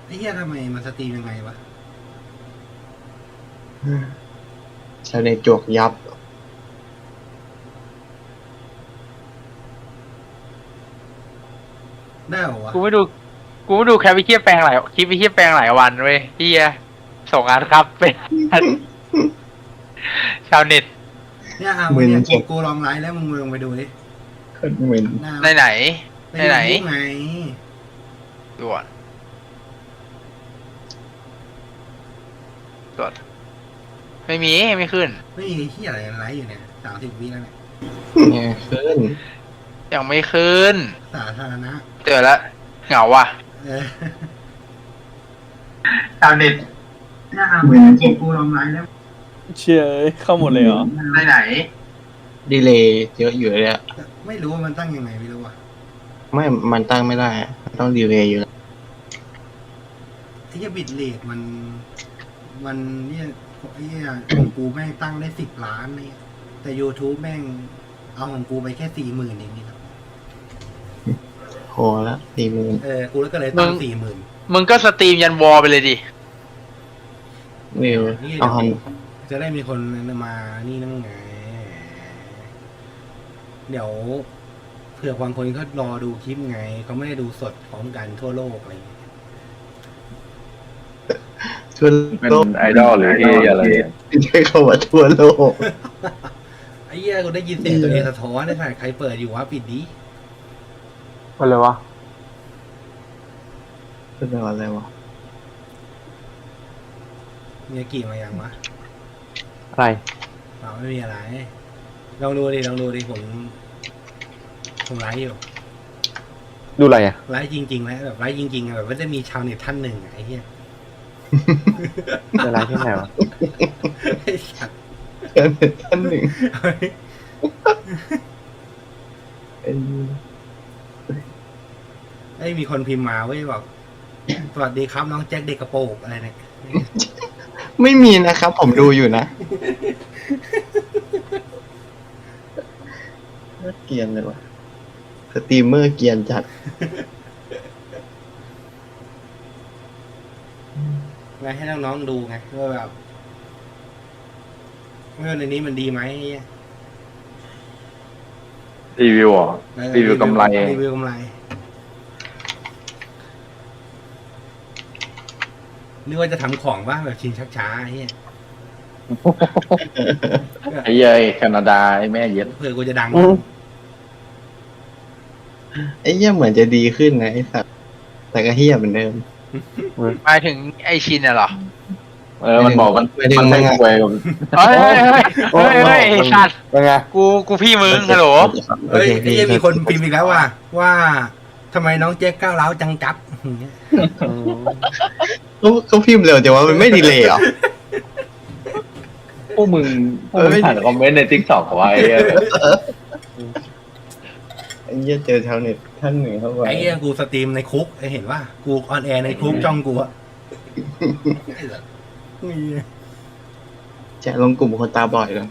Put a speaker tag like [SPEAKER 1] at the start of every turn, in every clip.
[SPEAKER 1] ไอ้เหี้ยทำไมมันสตรีมยังไงวะ
[SPEAKER 2] ชาวเน็ตจวกยับ
[SPEAKER 1] ได้เหรอวะ
[SPEAKER 3] กูไม่ดูกูไม่ดูแคปวิเคียแปลงหลายคลิปวิเคียแปลงหลายวันเว้ยเฮียส่งงานครับเป็นชาวเน็ต
[SPEAKER 1] เนี่ยวันเนี้ยกูลองไลฟ์แล้วมึงลองไปดูดิ
[SPEAKER 2] เหมือน
[SPEAKER 3] ในไหน
[SPEAKER 1] ใน
[SPEAKER 3] ไหน
[SPEAKER 1] ยูทูบไง
[SPEAKER 3] ด่วนด่วนไม่ขึ้น
[SPEAKER 1] ไม่มีที่อะไรไลฟ์อยู่เนี่ย30 วิแล้วเนี่ย
[SPEAKER 2] เนี่ยขึ้น
[SPEAKER 3] ยังไม่ขึ้น
[SPEAKER 1] สาธารณะ
[SPEAKER 3] เจอแล้วเหงาว่ะ
[SPEAKER 1] ชาวเน็ตเนี่ยวันเนี้ยกูลองไลฟ์แล้ว
[SPEAKER 4] เชื่อเข้าหมดเลยเหรอ
[SPEAKER 1] ในไหน
[SPEAKER 2] ดีเลย์เยอะอยู่เลยอะ
[SPEAKER 1] ไม่รู้ว่ามันตั้งยังไงไม่รู้ว่ะ
[SPEAKER 2] ไม่มันตั้งไม่ได้ต้องดีเลย์อยู่
[SPEAKER 1] ไอ้เหี้ยบิตเรทมันเนี่ยไอ้เหี้ยของกูแม่งตั้งได้10 ล้านเนี่ยแต่ YouTube แม่งเอาของกูไปแค่40,000เองนี่ครับ
[SPEAKER 2] พอละ40,000
[SPEAKER 1] กูก็เลยตั้ง40,000
[SPEAKER 3] มึงก็สตรีมยันวอลไปเลยดิ
[SPEAKER 2] วิวเอาหัน
[SPEAKER 1] จะได้มีคนมานี่นั่งไงเดี๋ยวเผื่อบางคนเขารอดูคลิปไงเขาไม่ได้ดูสดพร้อมกันทั่วโลกอะไรอย่างเงี้ย
[SPEAKER 2] ทั่ว
[SPEAKER 5] เป็น
[SPEAKER 2] โลก
[SPEAKER 5] ไอดอลหรือที่อะไร
[SPEAKER 2] ใช้คำว่าทั่วโลก
[SPEAKER 1] ไอ้เหี้ยกูได้ยินเสียงตัวเองสะท้อนได้ถ่ายใครเปิดอยู่วะปิดดิ
[SPEAKER 4] อะไรวะ
[SPEAKER 2] เป็นอะไรวะ
[SPEAKER 1] มีกี่มายังวะ
[SPEAKER 4] อะไร
[SPEAKER 1] ไม่มีอะไรลองดูดิผมไลฟ์อยู่
[SPEAKER 4] ดูอะไรอ่ะ
[SPEAKER 1] ไลฟ์จริงๆแล้วแบบไลฟ์จริงๆแบบว่าจะมีชาวเน็ตท่านหนึ่งไอ้เหี้ย
[SPEAKER 4] จะไลฟ์ที่ไหนวะ
[SPEAKER 1] ไอ้สัตว์
[SPEAKER 2] ท่านหนึ่ง
[SPEAKER 1] ไอ้มีคนพิมพ์มาเว้ยบอกสวัสดีครับน้องแจ็คเด็กกระโปรงอะไรเนี่ย
[SPEAKER 2] ไม่มีนะครับผมดูอยู่นะเกรียนเลยวะสตรีมเมอร์เกรียนจัด
[SPEAKER 1] ไงให้น้องๆดูไงว่าแบบว่าในนี้มันดีไหม
[SPEAKER 5] รีวิวอ่ะรีวิวกำไร
[SPEAKER 1] นึกว่าจะทำของบ้างแบบชิงชักช้าไอ้เหี้ย
[SPEAKER 5] ไอ้เย้ยแคนาดาไอ้แม่เย็ด
[SPEAKER 1] เผื่อกูจะดัง
[SPEAKER 2] ไอ้เหี้ยเหมือนจะดีขึ้นนะไอ้สัตว์แต่ก็เหี้ยเหมือนเดิม
[SPEAKER 3] หมายถึงไอชินเหรอ
[SPEAKER 5] มันบอกมันไม่รวยกับ
[SPEAKER 3] เฮ้ยสัตว์
[SPEAKER 4] เป็นไง
[SPEAKER 3] กูพี่มึงฮัลโหล
[SPEAKER 1] เฮ้ยไอ้ยังมีคนพิมพ์อีกแล้วว่าทำไมน้องแจ็คก้าวร้าวจังจับ
[SPEAKER 2] เขาพิมพ์เร็วแต่ว่ามันไม่ดีเลยเหรอ
[SPEAKER 5] พวกมึงอ่านคอมเมนต์ใน TikTok ไว้
[SPEAKER 2] ไอ้เหี้ยเจอชาวเน็ตท่านหนึ่งเข้าไป
[SPEAKER 1] ไอ้เหี้ยกูสตรีมในคุกเห็นว่ากูออนแอร์ในคุกจ้องกูอะ
[SPEAKER 2] จะลงกลุ่มคนตาบอดกัน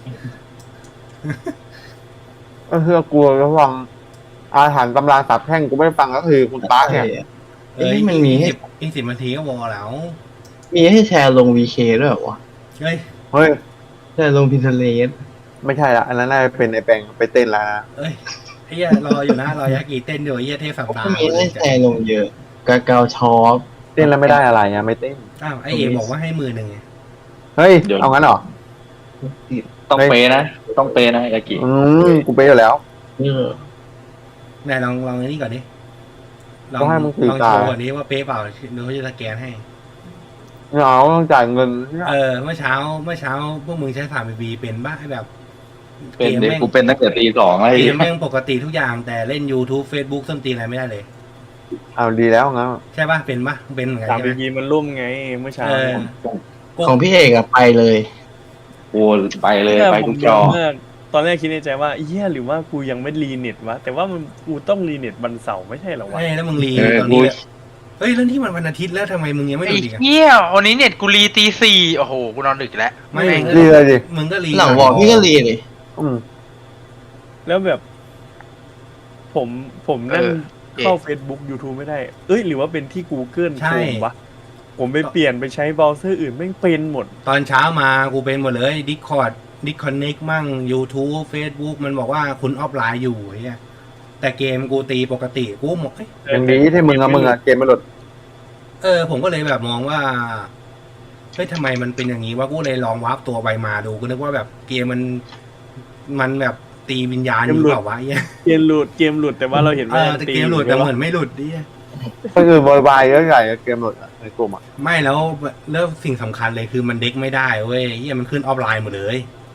[SPEAKER 4] ก็คือกูระวังอาหารตำราสาบแช่งกูไม่ฟังก็คือคุณป้าเนี่ย
[SPEAKER 2] มันมีให้
[SPEAKER 1] อีก10 นาทีก็วอแล้ว
[SPEAKER 2] มีให้แชร์ลง VK ด้วยเหรอวะ
[SPEAKER 4] เฮ้ย
[SPEAKER 2] แชร์ลง Pinterest
[SPEAKER 4] ไม่ใช่ละอันนั้นน่าจะเป็นไอแปงไปเต้นแล้วนะ
[SPEAKER 1] เอ้ยไอ้เหี้ยรออยู่นะรอยากิเต้นอยู่ไอ้เหี้ยเทพสัปดาห์
[SPEAKER 2] มีให้แชร์ลงเยอะกาเกาช็อป
[SPEAKER 4] เต้นแล้วไม่ได้อะไรอ่ะไม่เต้น
[SPEAKER 1] ไอ้เอบอกว่าให้10,000ไง
[SPEAKER 4] เฮ้ยเอางั้นเหรอ
[SPEAKER 5] ต้องเปนะยากิ
[SPEAKER 4] กูเปอยู่แล้ว
[SPEAKER 1] ไหนลองนี่ก่อนดิลองโชว์ก่อนนี้ว่าเป๊ะเปล่าเดี๋ยวเขาจะสแกนให้
[SPEAKER 4] เราต้องจ่ายเงิน
[SPEAKER 1] เมื่อเช้าพวกมึงใช้ผ่านบีบีเป็นบ้าแบบ
[SPEAKER 5] เป็นเด็กกูเป็นตั้งแต่ตี 2ไอ้
[SPEAKER 1] เกมแม่งปกติทุกอย่างแต่เล่น YouTube Facebook ส้นตีนอะไรไม่ได้เลย
[SPEAKER 4] เอาดีแล้วงั้น
[SPEAKER 1] ใช่ป่ะเป็นเหมือนกัน
[SPEAKER 4] ใช่ไหมบีมันร่มไงเมื่อเช้า
[SPEAKER 2] ของพี่เอกอะไปเลย
[SPEAKER 5] โอ้ไปเลยไปทุกจอ
[SPEAKER 4] ตอนแรกคิดในใจว่าเหี้ยหรือว่ากูยังไม่รีเน็ตวะแต่ว่ากูต้องรีเน็ตวันเสาร์ไม่ใช่หรอวะ
[SPEAKER 1] แล้วมึงรีตอนนี้เฮ้ยแล้วที่มันวันอาทิตย์แล้วทำไมมึงยังไม่ดูอีก
[SPEAKER 3] เหี้ยวันนี้เน็ตกูรีตี 4โอ้โหกูนอนดึกแล้ว
[SPEAKER 1] ไม่
[SPEAKER 4] รีเลยดิ
[SPEAKER 1] มึงก็รี
[SPEAKER 2] หลังวอลพี่ก็รีเลย
[SPEAKER 4] แล้วแบบผมนั่งเข้า Facebook YouTube ไม่ได้ เอ้ยหรือว่าเป็นที่ Google
[SPEAKER 1] ใช่
[SPEAKER 4] Chrome วะผมไปเปลี่ยนไปใช้เบราว์เซอร์อื่นแม่งเป็นหมด
[SPEAKER 1] ตอนเช้ามากูเป็นหมดเลย Discord Disconnect มั่ง YouTube Facebook มันบอกว่าคุณออฟไลน์อยู่ไอ้เหี้ยแต่เกมกูตีปกติกูหมด
[SPEAKER 6] อย่างนี้ที่มึงอะเกมมันหลุด
[SPEAKER 1] ผมก็เลยแบบมองว่าเฮ้ยทำไมมันเป็นอย่างนี้ว่ากูเลยลองวาร์ปตัวไปมาดูกูนึกว่าแบบเกมมันแบบตีวิญญาณอยู่เปล่าวะไอ้เหี้ย
[SPEAKER 4] เกมหลุดแต่ว่าเราเห็นว่า
[SPEAKER 1] แต่เกมหลุดแต่เหมือนไม่หลุดดิ
[SPEAKER 6] ก็คือโวยวายเยอะใหญ่เกมหลุดอะในกลุ่มอะ
[SPEAKER 1] ไม่แล้วสิ่งสำคัญเลยคือมันเด็กไม่ได้เว้ยเหี้ยมันขึ้นออฟไลน์หมดเลย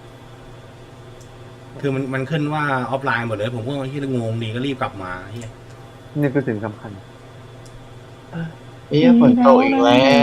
[SPEAKER 1] คือมันขึ้นว่าออฟไลน์หมดเลย ผมก็ที่งงดีก็รีบกลับมาเหี้ย
[SPEAKER 6] นี่คือสิ่งสำคัญ
[SPEAKER 2] เฮียฝนตกอีกแล้ว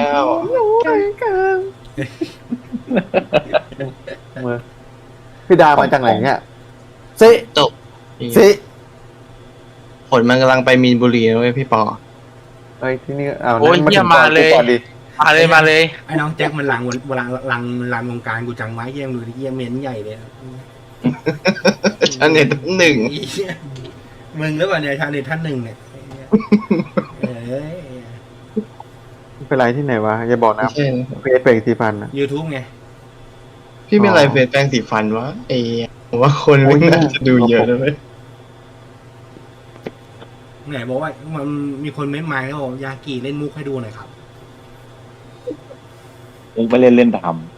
[SPEAKER 6] เมื่อพี่ดามาจากไหนเนี่ยซิ
[SPEAKER 2] ตก
[SPEAKER 6] ซิ
[SPEAKER 2] ฝนมันกำลังไปมีนบุรีนะเว้ยพี่ปอ
[SPEAKER 6] เฮ้ยที่นี่อ้าว
[SPEAKER 3] โอ้ย
[SPEAKER 6] นั่น
[SPEAKER 3] เหี้ยมาเลย
[SPEAKER 6] ก่อนดิ
[SPEAKER 3] มาเลย
[SPEAKER 1] ไอ้น้องแจ็คมันลังวงการกูจังไว้เยี่ยมดูดิเยี่ยมเม้นใหญ่เลย
[SPEAKER 2] ชาเน็ตหนึ่ง
[SPEAKER 1] อีเหี้ยมึงหรือเปล่าเนี่ยชาเน็ตท่านหนึ่งเนี่ยเอ้ย
[SPEAKER 6] เป็นไรที่ไหนวะอย่าบอกนะ
[SPEAKER 2] ไม่ใช่นะ
[SPEAKER 6] เฟซเฟก4,000อะ
[SPEAKER 1] YouTube ไง
[SPEAKER 2] พี่เป็นอะไรเฟซแปรงสีฟันวะไอ้เหี้ยผมว่าคนไม่น่าจะดูเยอะนะเว้ย
[SPEAKER 1] ไหนบอกว่ามันมีคนเม้นมาแล้วบอกยากิเล่นมุกให้ดูหน่อยครับ
[SPEAKER 5] มึงไปเล่นท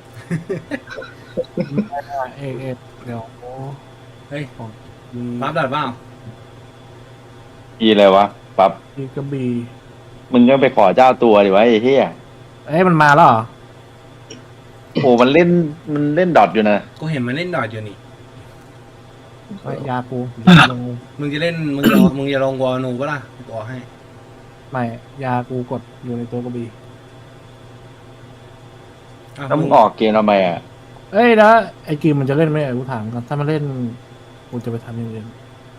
[SPEAKER 7] เอกเดี๋ยว
[SPEAKER 1] เฮ้ยปั๊บดัดเปล่า
[SPEAKER 5] ำอีอะไรวะปั๊บ
[SPEAKER 7] มีกระบี่
[SPEAKER 5] มึงก็ไปขอเจ้าตัวดิวะไอ้เหี้ย
[SPEAKER 7] เอ้ยมันมาแล้วเหรอ
[SPEAKER 5] โอ้มันเล่นดอทอยู่นะ
[SPEAKER 1] กูเห็นมันเล่นดอทอยู่นี่
[SPEAKER 7] เฮ้ยยากูลง
[SPEAKER 1] มึงจะเล่นมึงจะลงวอลนูปะล่ะกูบอกให้
[SPEAKER 7] ไม่ยากูกดอยู่ในตัวกระบี่
[SPEAKER 1] อ้าว
[SPEAKER 5] แล้วมึงออกเกมทำไมอ่ะ
[SPEAKER 7] เอ้ยแล้วไอ้กิมมันจะเล่นไหมกูถามกันถ้ามันเล่นกูจะไปทำอย่างอื่น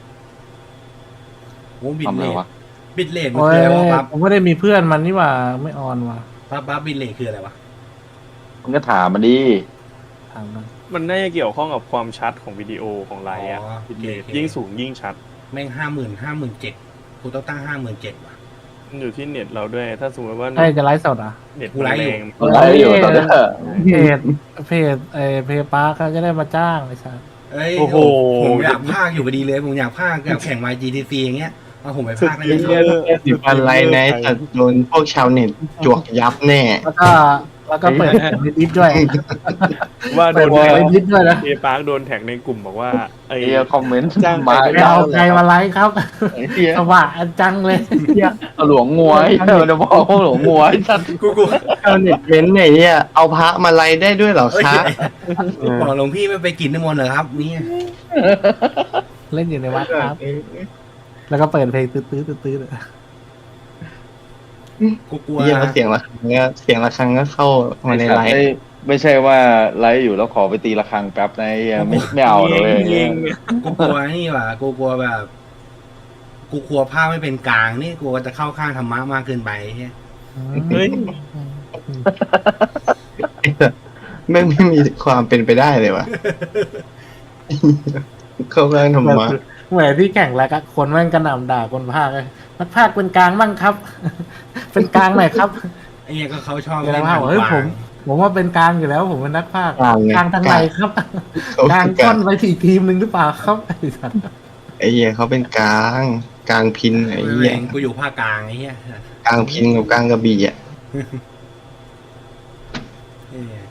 [SPEAKER 1] โอ้บิด
[SPEAKER 5] ทำ
[SPEAKER 1] เล
[SPEAKER 5] ไร
[SPEAKER 1] ท
[SPEAKER 5] วะ
[SPEAKER 1] บิดเลทมัน
[SPEAKER 7] โอ้
[SPEAKER 1] คื
[SPEAKER 7] ย
[SPEAKER 1] ออะไรวะปั๊บ
[SPEAKER 7] ผมไม่ได้มีเพื่อนมันนี่หว่าไม่ออนว่ะ
[SPEAKER 1] ปั๊บบิดเลทคืออะไรวะ
[SPEAKER 5] มึงก็ถามมันดิ
[SPEAKER 7] ถามกัน
[SPEAKER 4] มันน่าจะเกี่ยวข้องกับความชัดของวิดีโอของไลน์อะ
[SPEAKER 1] อ๋อโอเค
[SPEAKER 4] ยิ่งสูงยิ่งชัด
[SPEAKER 1] แม่ง57,000กูต้องตั้ง57,000ว่ะ
[SPEAKER 4] มันอยู่ที่เน็ตเราด้วย ถ้าสมมติว่า
[SPEAKER 7] ไอ้ยจะไลฟ์สดอ่ะ
[SPEAKER 4] เน็ต
[SPEAKER 1] กูไลฟ์อยู่
[SPEAKER 4] แรง
[SPEAKER 5] มันไลฟ์อยู่ตอนเนี้ย
[SPEAKER 7] เพจเพย์ปาร์เขาจะได้มาจ้างไอ้สัส
[SPEAKER 1] เอ้ย
[SPEAKER 4] โอ้โห
[SPEAKER 1] ผมอยากพากอยู่พอดีเลยผมอยากพากแบบแข่ง YGTC อย่างเงี้ยเอาผมไปพากได้ยังไง
[SPEAKER 2] สีฟันไลน์ไนท์แต่โดนพวกชาวเน็ตจวกยับแน่
[SPEAKER 7] แล้วก็เปิดในดิฟด้วย
[SPEAKER 4] ว่าโด
[SPEAKER 7] เปิด
[SPEAKER 4] น
[SPEAKER 7] ในดิฟด้วยนะ
[SPEAKER 4] เอปาร์คโดนแท็กในกลุ่มบอกว่าไอ้
[SPEAKER 5] ไอ้เหี้ยคอมเมนต์
[SPEAKER 4] จ้าง
[SPEAKER 5] มา
[SPEAKER 4] ไป
[SPEAKER 7] ไม่เอาใครมาไลฟ์ครับ
[SPEAKER 5] ไอ้เหี้ย
[SPEAKER 7] สว่างจังเลยเหี้ย
[SPEAKER 5] เอาหลวงงัวไอ้เหี้ยจะบอกว่าหลวงงัวไอ้สัตว์
[SPEAKER 1] กู
[SPEAKER 2] ชาวเน็ตเว้นไหนเนี่ยเอาพระมาไลน์ได้ด้วยเหรอ
[SPEAKER 1] เอ้ย
[SPEAKER 2] คะ
[SPEAKER 1] บอกหลวงพี่ไม่ไปกินน้ำมนต์เหรอครับนี่
[SPEAKER 7] เล่นอยู่ในวัดครับ แล้วก็เปิดเพลงตื้อ
[SPEAKER 1] กูกลัว
[SPEAKER 2] เยี่ยมเสียงระฆังก็เข้ามาในไลน์
[SPEAKER 5] ไม่ใช่ว่าไลฟ์อยู่แล้วขอไปตีระฆังแป๊บนะไอ้เหี้ยไม่เอาเลย
[SPEAKER 4] ยิง
[SPEAKER 1] กูกลัวนี่ว่ะกูกลัวแบบ กูกลัวภาพไม่เป็นกลางนี่กูจะเข้าข้างธรรมะมากเกินไปเฮ้ย
[SPEAKER 4] เฮ้ย
[SPEAKER 2] ไม่มีความเป็นไปได้เลยวะเข้าข้างธรรมะ
[SPEAKER 7] เหมือนที่แข่งแล้วก็คนแม่งกระหน่ำด่าคนภาคเลยนักภาคเป็นกลางบ้างครับ เป็นกลางหน่อยครับ
[SPEAKER 1] ไอ้เหี้ยก็เขาชอบ
[SPEAKER 7] เดี๋ยว
[SPEAKER 1] เล่น
[SPEAKER 7] ภาค
[SPEAKER 1] ทาง
[SPEAKER 7] บอกเฮ้ย
[SPEAKER 1] กลาง
[SPEAKER 7] ผมว่าเป็นกลางอยู่แล้ว ผมเป็นนักภาค
[SPEAKER 2] กลางไง
[SPEAKER 7] กลางทางไหนครับ กลางก้อนไปที่ทีมหนึ่งหรือเปล่าครับไอ้สัตว์
[SPEAKER 2] ไอ้เหี้ยเขาเป็นกลางพินไอ้
[SPEAKER 1] ไม่
[SPEAKER 2] เหี้ย
[SPEAKER 1] เองกูอยู่ภาคกลางไอ้เหี้ย
[SPEAKER 2] กลางพินกับกลางกระบี่อ่ะ
[SPEAKER 1] เอ้ย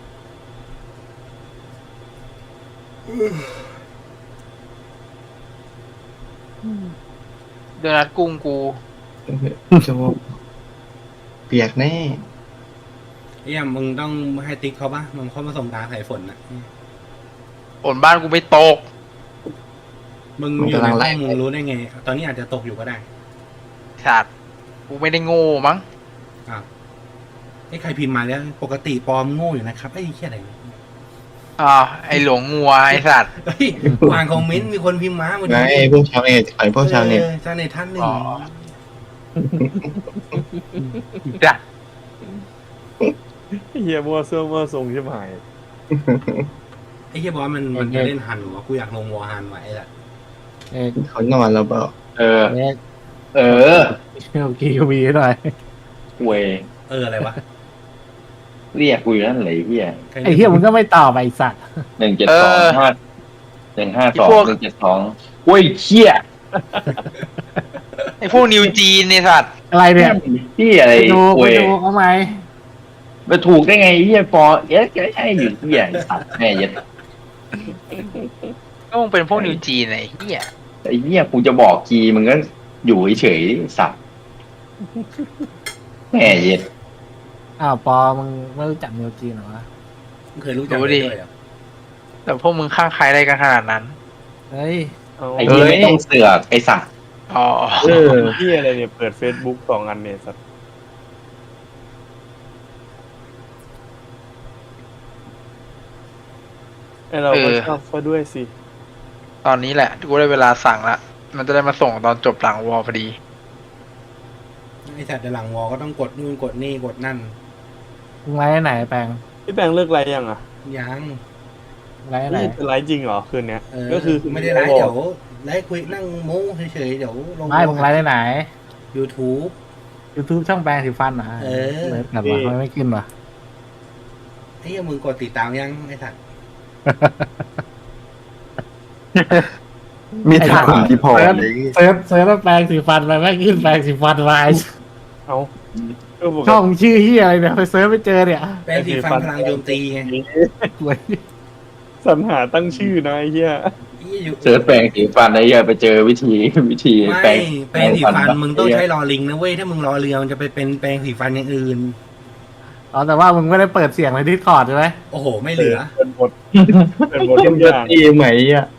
[SPEAKER 3] โดนัทกุ้งกู
[SPEAKER 2] โจเปียกแน่
[SPEAKER 1] เอ้ยมึงต้องให้ติ๊กเขาปะมึงเข้ามาส่งตาใส่ฝนนะ
[SPEAKER 3] ฝนบ้านกูไม่ตก
[SPEAKER 1] มึงอยู่ในห้องมึงรู้ได้ไง ตอนนี้อาจจะตกอยู่ก็ได้
[SPEAKER 3] สัตว์กูไม่ได้โง่มั้ง
[SPEAKER 1] ไอ้ใครพิมพ์มาแล้วปกติปลอมโง่อยู่นะครับไอ้เหี้ยอะไรเนี่ย
[SPEAKER 3] ไอหลวงงัวไอสัตว์
[SPEAKER 1] เฮ้ยอ่านคอมเมนต์มีคนพิมพ์มาวัน
[SPEAKER 2] ไง
[SPEAKER 1] นี้
[SPEAKER 2] พวกชาวเน็ตไอ้พวกชาวเน็ต
[SPEAKER 1] ชาวเน็ตท่านหนึ่ง
[SPEAKER 3] อ๋อ จัด
[SPEAKER 4] เฮียมัวเสื้อมัวทรงใช่ไหม
[SPEAKER 1] ไอ้เหี้ยบอสมันจะเล่นฮันหรอวะกูอยากลงวอร์ฮันไว้แหละ
[SPEAKER 7] เอก
[SPEAKER 2] เขานอนแล้วเปล่า
[SPEAKER 5] เออ
[SPEAKER 7] เอก
[SPEAKER 5] เออ
[SPEAKER 7] โอเคก็มีหน่อย
[SPEAKER 5] เวย
[SPEAKER 1] อะไรวะ
[SPEAKER 5] เรียกกูอยู่นั่นเลยเฮีย
[SPEAKER 7] ไอ้เหี้ยมึงก็ไม่ตอบไอ้สัตว์
[SPEAKER 5] 1725152เว้ยเชี่ย
[SPEAKER 3] ไอ้พวกนิวจีนเนี่ยสัตว์
[SPEAKER 7] อะไรเนี่ย
[SPEAKER 5] ที่อะไร
[SPEAKER 7] ไปดู
[SPEAKER 5] เว้ย
[SPEAKER 7] เอาไหม
[SPEAKER 5] ไปถูกได้ไงเฮียปอเอ๊ะใช่อยู่เฮียสัตว์แม่ยัด
[SPEAKER 3] ก็มึงเป็นพวกนิวจีนไอ้เหี้ย
[SPEAKER 5] ไอ้เฮียกูจะบอกกีมึงก็อยู่เฉยๆสัตว์แม่ยัด
[SPEAKER 7] อ้าวปอมึงไม่รู้จักนิวจีนเหรอวะ
[SPEAKER 1] มึงเคยรู้จักมันด้วยเหรอ
[SPEAKER 3] แต่พวกมึงข้างใครได้กันขนาดนั้น
[SPEAKER 7] เฮ้ย
[SPEAKER 4] เอา
[SPEAKER 5] ไอ้เฮียไม่ต้องเสือกไอ้สัตว์
[SPEAKER 3] อ๋อ
[SPEAKER 4] ที่อะไรเนี่ยเปิด Facebook 2 อันเนี่ยสัตว์ไอเราก็ชอบซะด้วยสิ
[SPEAKER 3] ตอนนี้แหละกูได้เวลาสั่งละมันจะได้มาส่งตอนจบหลังวอลพอดี
[SPEAKER 1] ไอ้สัตว์เดี๋ยวหลังวอก็ต้องกดนู่นกดนี่กดนั่น
[SPEAKER 7] มึงไลฟ์ไหนแปลง
[SPEAKER 4] พี่แปงเลิกไลฟ์ยังอ่ะ
[SPEAKER 1] ยัง
[SPEAKER 7] ไลฟ์ไหน
[SPEAKER 4] นี่จะไลฟ์จริงเหรอคืนเนี้ย
[SPEAKER 1] ก็
[SPEAKER 4] ก็
[SPEAKER 1] คื
[SPEAKER 4] คือ อ
[SPEAKER 1] ไม่ได้ไลฟ์เดี๋ยวไลฟ์คุยนั่งโม้เฉยๆเดี๋ยวลง
[SPEAKER 7] ไม่มึงไลฟ์ได้ไหน
[SPEAKER 1] YouTube
[SPEAKER 7] YouTube ช่องแปลงสีฟันเหรอ
[SPEAKER 1] เออ
[SPEAKER 7] เลิศแบบว่าไม่ขึ้นวะ
[SPEAKER 1] ไอ้เหี้ยมึงกดติดตามยังไอ้สัตว์
[SPEAKER 6] มีทางที่พอ
[SPEAKER 7] เซิร์ช
[SPEAKER 6] เลย
[SPEAKER 7] เซิร์ชว่าแปลงสีฟันไปไม่ขึ้นแปลงสีฟันไว้
[SPEAKER 4] เอาก็ปก
[SPEAKER 7] ช่อง
[SPEAKER 4] ติ
[SPEAKER 7] ชื่อที่อะไรเนี่ยไปเซิร์ชไม่เจอเนี่ย
[SPEAKER 1] แปรงสีฟันพลังโจมตีไง
[SPEAKER 7] หวย
[SPEAKER 4] สรรหาตั้งชื่อนะไอ้เหี้ย
[SPEAKER 1] ไอ้หี้ยอยู่
[SPEAKER 5] เสิร์ชแปรงสีฟันไอ้เฮียไปเจอวิธี
[SPEAKER 1] ไม่
[SPEAKER 5] แปรง
[SPEAKER 1] แปรงสีฟันมึงต้องใช้รอลิงนะเว้ยถ้ามึงรอเรือมันจะไปเป็นแปรงสีฟันอย่างอื่น
[SPEAKER 7] อ๋อแต่ว่ามึงไม่ได้เปิดเสียงในดิสคอร์ดใช่ไหม
[SPEAKER 1] โอ้โห ไม่เหลือ
[SPEAKER 4] เป็นบทเป็นบท
[SPEAKER 2] เก
[SPEAKER 4] ทุ
[SPEAKER 2] ม
[SPEAKER 4] ก
[SPEAKER 2] เย
[SPEAKER 4] อ
[SPEAKER 2] อะ
[SPEAKER 4] ย่าง
[SPEAKER 2] ตีไหมอ่ะ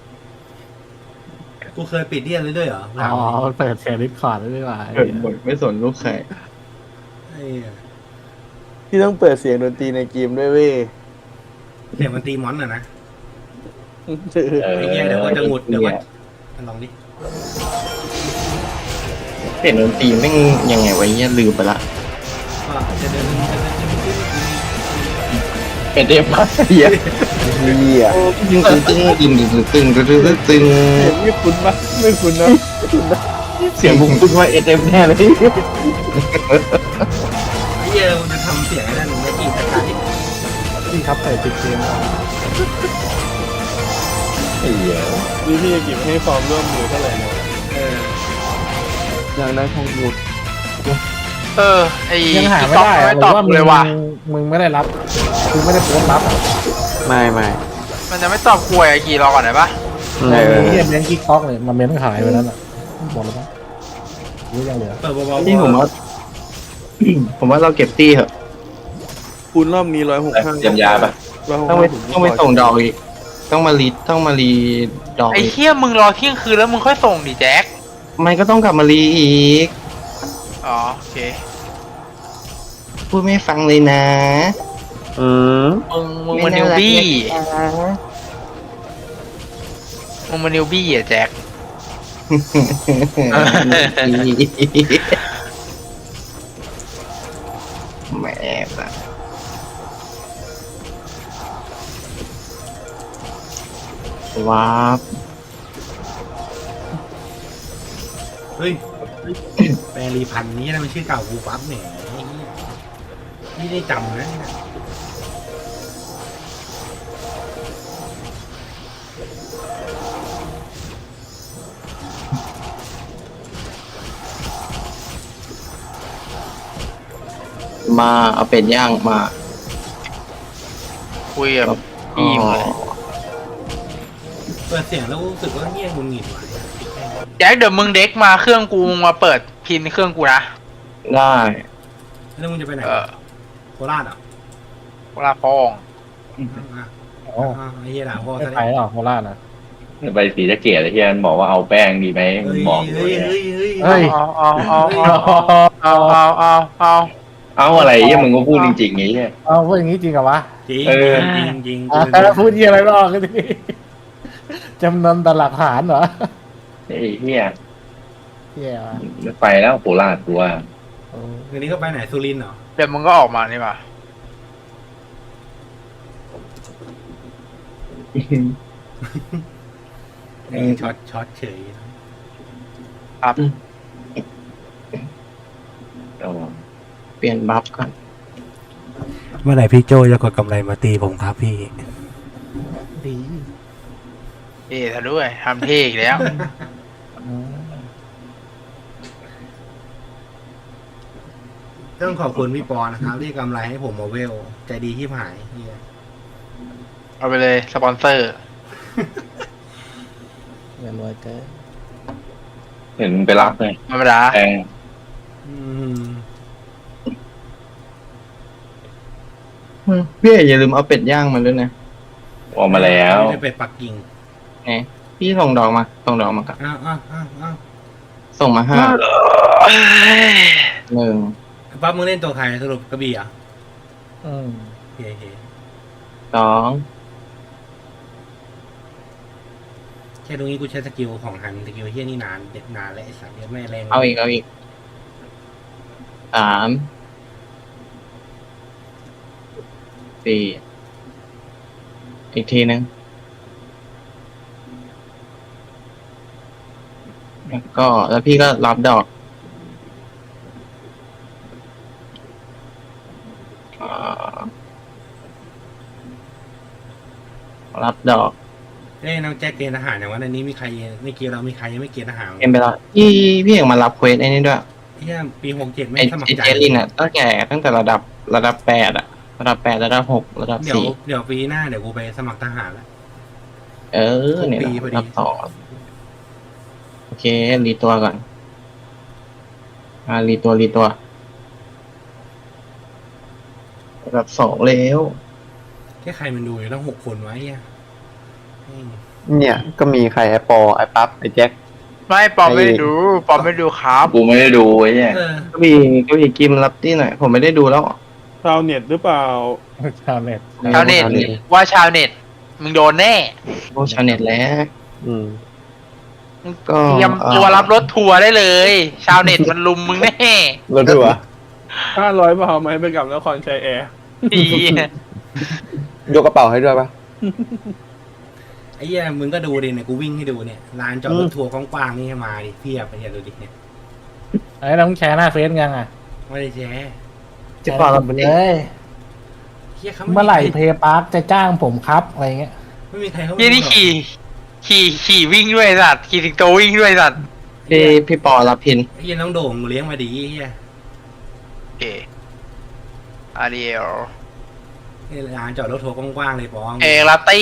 [SPEAKER 1] กูเคยปิดเรียนเลยด้วยเหรอ
[SPEAKER 7] อ๋อมันเปิดเสียงดิสคอร์ดได้ด้วยวะ
[SPEAKER 2] เกิดบทไม่สนลูกใคร
[SPEAKER 1] ไอ้เหี้ย
[SPEAKER 4] ที่ต้องเปิดเสียงดนตรีในเกมด้วยเว้ย
[SPEAKER 1] เสียงมันตีมอนอะนะ
[SPEAKER 5] เออ
[SPEAKER 1] ไอ้เหี้ยเดี๋ยวก็จะหงุดเดี๋ยวก็ลองดิ
[SPEAKER 2] เสียงดนตรีแม่งยังไงวะเนี่ยลืมไปละ
[SPEAKER 1] ว่าจะเดิน
[SPEAKER 5] เป็นเดฟมาเฮีย
[SPEAKER 6] เหี้ย
[SPEAKER 2] ตึงตึงตึงตึงตึงตึงตึงตึงตึง
[SPEAKER 4] เสียงไม่คุ้นปะไม่คุ้นนะ
[SPEAKER 5] เสียงผมพูดว่าเอสเอ็มแน่เลย
[SPEAKER 1] ไอ้เหี้ยมันจะทำเสียงไอ้นั่นไม่กี่ตะไคร้
[SPEAKER 7] ที่ครับเปิดติดเกม
[SPEAKER 5] ไอ้เหี้ย
[SPEAKER 4] นี่พี่จะกิบให้ความร่วมมือเท่าไหร่เนี่ย
[SPEAKER 6] อย่างนั้นคงหยุด
[SPEAKER 3] ไอ้
[SPEAKER 7] ยังหาไม่ได้
[SPEAKER 3] ไม่
[SPEAKER 7] หรื
[SPEAKER 3] ตอบ
[SPEAKER 7] อว่า
[SPEAKER 3] กูเลยว่ะ
[SPEAKER 7] มึงไม่ได้รับคือไม่ได้โพสต์รับอะ
[SPEAKER 6] ไม่
[SPEAKER 3] มันจะไม่ตอบกูไอ้กี่รอก่อนได้ปะ
[SPEAKER 6] เออ
[SPEAKER 7] เฮียเม้นกิ๊กท็อกเลยมันเม้นขายไปแล้วน่ะบอกแล้วปะรู้ยังเหลือ
[SPEAKER 1] เปิดเบาๆ
[SPEAKER 2] นี่ผมว่า ผมว่าเราเก็บตี้เหอะ
[SPEAKER 4] คูณรอบนี้165
[SPEAKER 5] เตรียมยาปะ
[SPEAKER 2] ต้องไปส่งดอกอีก ต้องมารีดอก
[SPEAKER 3] ไอ้
[SPEAKER 2] อีก
[SPEAKER 3] เหี้ยมึงรอเที่ยงคืนแล้วมึงค่อยส่งดิแจ็ค
[SPEAKER 2] มันก็ต้องกลับมารีอีก
[SPEAKER 3] อ๋อโอเค
[SPEAKER 2] พูดไม่ฟังเลยนะ
[SPEAKER 6] อืม
[SPEAKER 3] มึงมันนิวบี้มึงมันนิวบี้อ่ะแจ็ค
[SPEAKER 2] แหม่ละว้าบ
[SPEAKER 1] เฮ้ยแปรงรีพันนี้นะมันชื่อเก่ากูปั๊บเนี่ยไอ้เหี้ยนี่ได้จำนะเนี่ย
[SPEAKER 2] มาเอาเป็ดย่างมา
[SPEAKER 3] คุยกับพี่มึงเลย
[SPEAKER 1] เปิดเสียงแล้วรู้สึกว่าเงียบงุนงิดว่ะ
[SPEAKER 3] แจ็คเดี๋ยวมึงเด็กมาเครื่องกูมึงมาเปิดพินเครื่องกูนะ
[SPEAKER 2] ได้
[SPEAKER 1] แล้วมึงจะไปไหน โคราชเหรอ
[SPEAKER 3] เวลาพอง
[SPEAKER 1] อ่ะ
[SPEAKER 7] อ๋อ
[SPEAKER 1] ไอ้เหี้ยด่าพ่อ
[SPEAKER 7] ไม่
[SPEAKER 1] ซะ
[SPEAKER 7] ไป
[SPEAKER 1] แล้ว
[SPEAKER 7] หรอกโคราชนะ
[SPEAKER 5] ไปสีสะเกียรติเฮียมันบอกว่าเอาแป้งดีไหม
[SPEAKER 1] เฮ้ย
[SPEAKER 5] บอก
[SPEAKER 1] เฮ้ยเฮ้ยเฮ้ย
[SPEAKER 7] เฮ้ย
[SPEAKER 3] เอา
[SPEAKER 5] เอาอะไรเฮียมึงก็พูดจริงๆไงเฮีย
[SPEAKER 7] เอาพูดอย่างนี้จริงเหรอวะ
[SPEAKER 1] จริง
[SPEAKER 5] เออ
[SPEAKER 1] จริงจริง
[SPEAKER 7] พูดยี่อะไรไม่ออกเลยจำนวนต่อหลักฐานเหรอ
[SPEAKER 5] ไอ้เฮีย
[SPEAKER 7] เฮียวะ
[SPEAKER 5] ไม่ไปแล้วโคราชกูว่า
[SPEAKER 7] โอ้
[SPEAKER 1] คืนนี้ก็ไปไหนสุรินทร์เหรอ
[SPEAKER 3] เดี๋ยวมึงก็ออกมานี่ป่ะ
[SPEAKER 1] ช็อตเฉย
[SPEAKER 3] ครับ
[SPEAKER 2] เปลี่ยนบัฟก่อน
[SPEAKER 1] เมื่อไหร่พี่โจจะกดกำไรมาตีผมครับพี่
[SPEAKER 7] ดี
[SPEAKER 3] เอ๊ะท่าด้วยทำเท่อีกแล้ว
[SPEAKER 1] ต้องขอบคุณพี่ปอนะครับที่กำไรให้ผมมาเวลใจดีที่หายเฮีย
[SPEAKER 3] เอาไปเลยสปอนเซอร์
[SPEAKER 7] เงินรวยเกิน
[SPEAKER 5] เห็นไปรับเลย
[SPEAKER 3] ธรรมดา
[SPEAKER 5] แพง
[SPEAKER 1] อืม
[SPEAKER 2] พี่อย่าลืมเอาเป็ดย่างมาด้วยนะ
[SPEAKER 5] ออกมาแล้ว
[SPEAKER 1] ไม่ได้เป็ดปักกิ่ง
[SPEAKER 2] ไงพี่ส่งดอกมาส่งดอกมากับ
[SPEAKER 1] อ้าวอ้าวอ้าวอ้าว
[SPEAKER 2] ส่งมา5 1
[SPEAKER 1] ปั๊บมึงเล่นตัวใครสรุปกระบี่เหรอ่ะ
[SPEAKER 7] อืม
[SPEAKER 1] เฮ้ย
[SPEAKER 2] 2
[SPEAKER 1] แค่ตรงนี้กูใช้สกิลของหันสกิลเฮียนี่นานเด็ดนานแล้วไอ้สัตว์เนี่ยไม่แรง
[SPEAKER 2] เอาอีก3 4อีกทีนึงแล้วพี่ก็รับดอกรับดอก
[SPEAKER 1] เอ้ยน้องแจ็คเกณฑ์ทหารอย่างว่าในนี้มีใครไม่เกณฑ์เรามีใครยังไม่เกณฑ์ทหาร
[SPEAKER 2] เอ็มไปแล้วพี่เอกมารับเควสไอ้นี่ด้วย
[SPEAKER 1] เฮียปี67ไม่
[SPEAKER 2] ไอ้
[SPEAKER 1] สมัครใจ
[SPEAKER 2] เจลินอ่ะตั้งแต่ระดับ8อ่ะระดับ8ระดับ6ระดับ
[SPEAKER 1] เดี๋ยวปีหน้าเดี๋ยวกูไปสมัครทหารแล้ว
[SPEAKER 2] 4เนี่ย
[SPEAKER 1] ปีพอดี
[SPEAKER 2] ระดับ2โอเครีตัวก่อนรีตัวระดับ2แล้ว
[SPEAKER 1] แค่ใครมันดูอยู่ตั้ง6 คนไว้อ่ะ
[SPEAKER 6] เนี่ยก็มีใครไอ้ปอไอ้ปั๊บไอ้แจ็ค
[SPEAKER 3] ไม่ปอมไม่ได้ดูปอมไม่ดูครับ
[SPEAKER 5] กูไม่ได้ดูไอ้เนี่ย
[SPEAKER 1] เออ
[SPEAKER 2] ก็มีกิมรับที่หน่อยผมไม่ได้ดูแล้ว
[SPEAKER 4] ชาวเน็ตหรือเปล่า
[SPEAKER 7] ชาวเน็ต
[SPEAKER 3] ชาวเน็ตว่าชาวเน็ตมึงโดนแน่
[SPEAKER 2] พวกชาวเน็ตแล้ว
[SPEAKER 6] อืม
[SPEAKER 2] ก็
[SPEAKER 3] เตรียมตัวรับรถทัวร์ได้เลย ชาวเน็ตมันลุมมึงแน่
[SPEAKER 6] รถทัวร์
[SPEAKER 4] 500 บาทไหมไปกับนครชัยแอร์
[SPEAKER 3] ดี
[SPEAKER 6] ยกกระเป๋าให้ด้วยปะ
[SPEAKER 1] ไอ้เหี้ยมึงก็ดูดิเนี่ยกูวิ่งให้ดูเนี่ยลานจอดรถทัวร์กว้างๆนี่ให้มาดิเพียบไปเหี้ยดูดิเนี่ย
[SPEAKER 7] ไอ้น้องแชร์หน้าเฟซยังอ่ะ
[SPEAKER 1] ไม่ได้แชร์
[SPEAKER 2] จะปล่อยเรา
[SPEAKER 7] ไป
[SPEAKER 2] ไป
[SPEAKER 7] เล
[SPEAKER 2] เลย
[SPEAKER 7] ย
[SPEAKER 1] เฮียเขา
[SPEAKER 7] เมื่อไหร่เพย์พาร์คจะจ้างผมครับอะไรเงี้ย
[SPEAKER 1] ไม่มีใครเขา
[SPEAKER 3] ยี่นี่ขี่วิ่งด้วยสัตว์ขี่ถึงโตวิ่งด้วยสัตว์
[SPEAKER 2] พี่ปอรับพิน
[SPEAKER 1] ไอ้เหี้ยน้องโด่งเลี้ยงมาดีไอ้เฮีย
[SPEAKER 3] โอเคอาเดียล
[SPEAKER 1] นี่ลานจอดรถทัวร์กว้างๆเลยปอง
[SPEAKER 3] เอลาตี้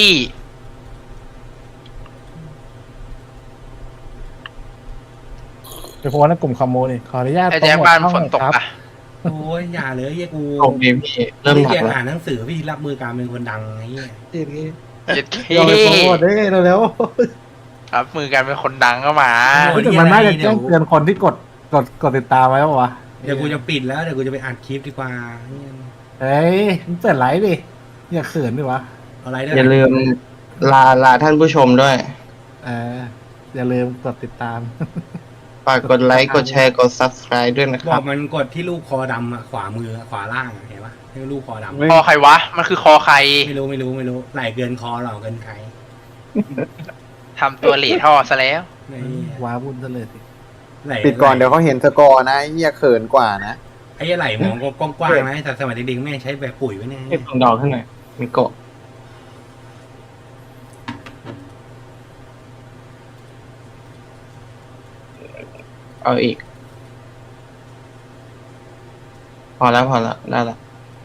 [SPEAKER 7] ไปโพสต์ในกลุ่มคอมมูนี่ขออนุญาต
[SPEAKER 3] ไอ้แจ๊คบ้านฝนตก
[SPEAKER 7] ครับ
[SPEAKER 3] อ่ะ
[SPEAKER 1] โอ้ยอย่าเลยเฮียกู
[SPEAKER 2] โอเคพี่เริ่มหนัก
[SPEAKER 1] เฮีย
[SPEAKER 2] แล้ว
[SPEAKER 1] อ่านหนังสือพี่รับมือการเป็นคนดังไอ้เฮีย
[SPEAKER 3] เจ็ดเค
[SPEAKER 7] เราไปโพสต์ได้เร็ว
[SPEAKER 3] ครับมือกันเป็นคนดังก็มา
[SPEAKER 7] ๆแต่มันน่าจะแจ้งเตือนคนที่กดติดตามไว้ป่าวะ
[SPEAKER 1] เดี๋ยวกูจะปิดแล้วเดี๋ยวกูจะไปอัดคลิปดีกว่าเหี้ย
[SPEAKER 7] เฮ้ยมึงเปิดไลฟ์ดิอย่าเขินดิวะ
[SPEAKER 1] เอาอะไรได้
[SPEAKER 2] อย่าลืมลาท่านผู้ชมด้วย
[SPEAKER 7] อย่าลืมกดติดตาม
[SPEAKER 2] ฝากกดไลค์กดแชร์กด subscribe ด้วยนะค
[SPEAKER 1] บ
[SPEAKER 2] รั
[SPEAKER 1] อบ กมันกดที่ลูกคอดำอะขวามือขวาล่างอะเห็นปะให้ลูกคอดำ
[SPEAKER 3] คอใครวะ มันคือคอใคร
[SPEAKER 1] ไม่รู้ไหลเกินคอหรอเกินใคร
[SPEAKER 3] ทำตัวเหล่ท่อซะแล้ว
[SPEAKER 1] นี่
[SPEAKER 7] ว้าวุ่นซะเลยสิ
[SPEAKER 1] ไหล
[SPEAKER 6] ปิดก่อนเดี๋ยวเขาเห็นสกอร์นะไอ้เหี้ยเขินกว่านะ
[SPEAKER 1] ไอ้เหี้ยไหลมองกว้างๆนะแต่สมัยเด็กๆแม่งใช้แบบปุ๋ยไว้เนี่ย
[SPEAKER 2] เก็บดอกขึ้นหน่อยมีโกะเอาอีก พอแล้วได้ละ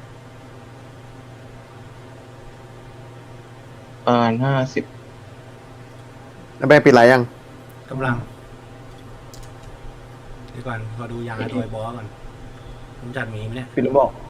[SPEAKER 2] ประมาณ50
[SPEAKER 6] แล้วไปปิดไรยัง
[SPEAKER 1] กำลังเดี๋ยวก่อนขอดูยาตัวไอ้บอสก่อนผมจัดหมีไหมเนี่ย
[SPEAKER 6] ปิดแล้วบอก